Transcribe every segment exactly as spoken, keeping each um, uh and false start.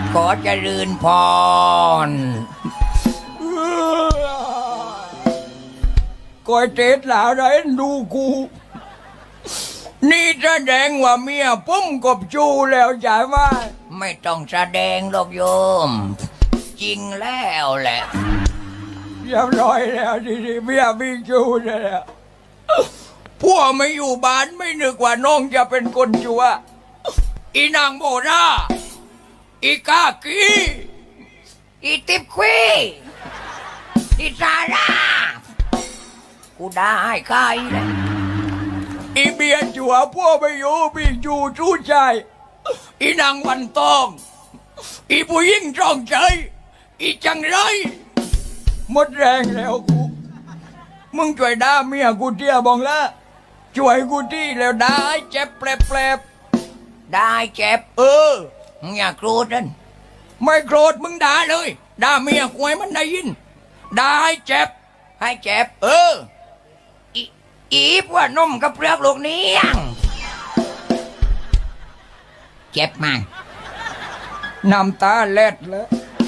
ขอเจริญพรก้อยเจ็ดหลาไรดูกูนี่แสดงว่าเมียปุ้มกบจูแล้วใช่ไหมไม่ต้องแสดงหรอกโยมจริงแล้วแหละเรียบร้อยแล้วทีนี้เมียมีจูแล้วพวกไม่อยู่บ้านไม่นึกว่าน้องจะเป็นคนจัวอีนางโมราอีกากีอีติบควีอีซาร่ากูได้ใครเลยอีเบียจัวพวกไม่อยู่มีจูจูใจอีนางวันตองอีผู้ยิ่งจองใจอีจังไรหมดแรงแล้วกูมึงช่วยด่าเมียกูเตี้ยบองละช่วยกูที่แล้วได้เจ็บแปลบๆได้เจ็บเออมึงอย่าโกรธนั่นไม่โกรธมึงด่าเลยด่าเมียกูให้มันได้ยินด่าให้เจ็บให้เจ็บเอออีอีพว่านมกับเปลือกลูกนี้เจ็บมั้งน้ำตาเล็ดเลย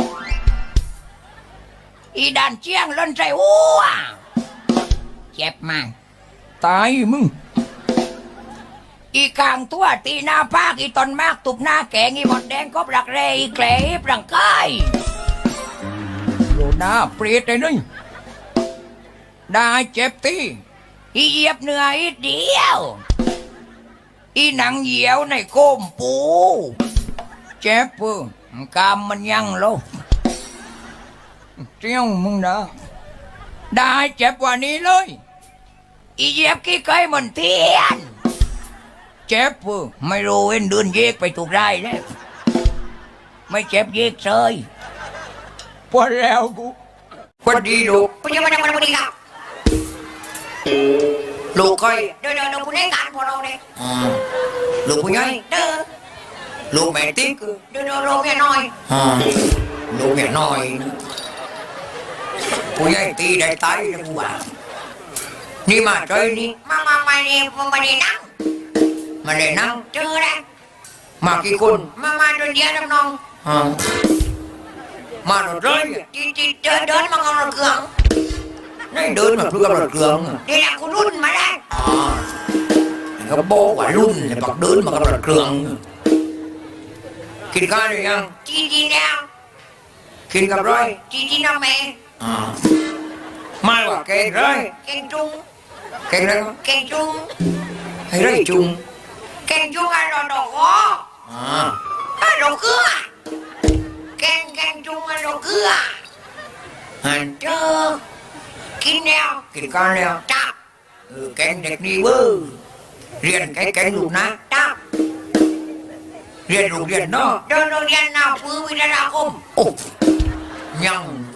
อีด่านเจียงล้นใจอ้วเจ็บมั้งตายมึงอีกลางตัวตีหน้าภาคอีตอนมากตุบหน้าแกงอีหมดแดงก็ปลักเรอีแกลปลังกายโลหน้าเปรียดเลยนี่ได้เจ็บตีอีเหยียบเนื้ออีเดียวอีหนังเหี่ยวในโคมปูเจ็บปื้กามมันยังโลเจ้ามึงนะได้เจ็บกว่านี้เลยอีเหยียบกี้เคยมันเทียนเจ็บปื้ไม่รู้เอ็นเดินเยกไปถูกได้แล้วไม่เจ็บเยกเฉยพอแล้วกูคนดีลูกคุณยังไม่ได้มาวันนี้ครับลูกก้อยเดินเดินเดินคุณให้การพอเราเนี่ยลูกผู้ใหญ่เดินลูกแม่ติ๊กเดินเดินลูกแม่น้อยลูกแม่น้อยผู้ใหญ่ตีได้ตายนะกูว่านี่มาใจนี่มามามาเนี่ยมามาเนี่ยนั่งมาเลยนั่งเจอแล้วมากี่คนมามาเดินเดียวน้องมาหน่อยเลยจีจีเดินเดินมาเอาหน่อยเครื่องนี่เดินมาเพื่อเอาหน่อยเครื่องนี่แหละคุณรุ่นมาแล้วเขาบอกว่ารุ่นเนี่ยปักเดินมาเอาหน่อยเครื่องกินข้าวหรือยังจีจีแล้วกินกับร้อยจีจีน้องแม่ไม่ว่าเก่งเลยเก่งจุงเก่งเลยเก่งจุงให้ได้จุงเก่งจุงอะไรดอกดอกอ๋ออะไรดอกเกลือเก่งเก่งจุงอะไรดอกเกลือหันเจอกินแล้วกินกันแล้วจับเก่งเด็กนี่เว้ยเรียนเก่งเก่งลูกนะจับเรียนโรงเรียนเนาะเดินโรงเรียนนาพื้นวิทยาคมโอ้ยัง